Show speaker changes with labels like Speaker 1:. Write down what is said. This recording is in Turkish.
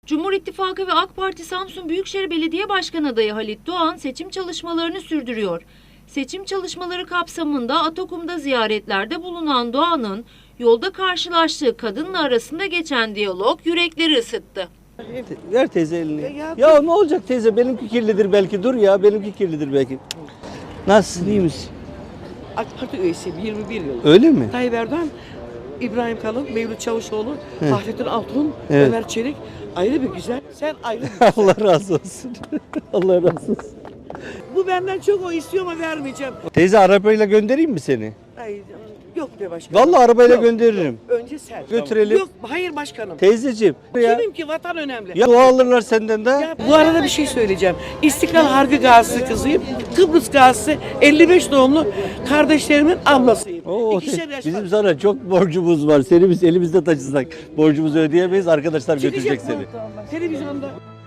Speaker 1: Cumhur İttifakı ve AK Parti Samsun Büyükşehir Belediye Başkanı adayı Halit Doğan seçim çalışmalarını sürdürüyor. Seçim çalışmaları kapsamında Atakum'da ziyaretlerde bulunan Doğan'ın yolda karşılaştığı kadınla arasında geçen diyalog yürekleri ısıttı.
Speaker 2: Ver teyze elini. Ya ne olacak teyze, benimki kirlidir belki, dur ya, benimki kirlidir belki. Nasılsın, iyi misin?
Speaker 3: AK Parti üyesiyim 21 yıl.
Speaker 2: Öyle mi?
Speaker 3: Tayyip Erdoğan, İbrahim Kalın, Mevlüt Çavuşoğlu, Fahrettin Altun,
Speaker 2: Evet.
Speaker 3: Ömer Çelik ayrı bir güzel. Sen ayrı bir güzel.
Speaker 2: Allah razı olsun. Allah razı olsun.
Speaker 3: Bu benden çok, o istiyor ama vermeyeceğim.
Speaker 2: Teyze arabayla göndereyim mi seni?
Speaker 3: Ay, yok be başkanım.
Speaker 2: Vallahi arabayla
Speaker 3: Yok,
Speaker 2: gönderirim.
Speaker 3: yok. Önce sen.
Speaker 2: Götürelim.
Speaker 3: Yok, hayır başkanım.
Speaker 2: Teyzeciğim. Ya,
Speaker 3: Kimim ki, vatan önemli.
Speaker 2: ya dua alırlar senden de.
Speaker 3: Ya, bu arada bir şey söyleyeceğim. İstiklal Harbi Gazisi kızıyım. Kıbrıs Gazisi 55 doğumlu kardeşlerimin ablasıyım.
Speaker 2: Oo,
Speaker 3: İkişer yaş
Speaker 2: bizim
Speaker 3: var.
Speaker 2: sana çok borcumuz var. Seni biz elimizde taşısak borcumuzu ödeyemeyiz. Arkadaşlar götürecek
Speaker 3: Çıkacak
Speaker 2: seni.
Speaker 3: bu televizyonda.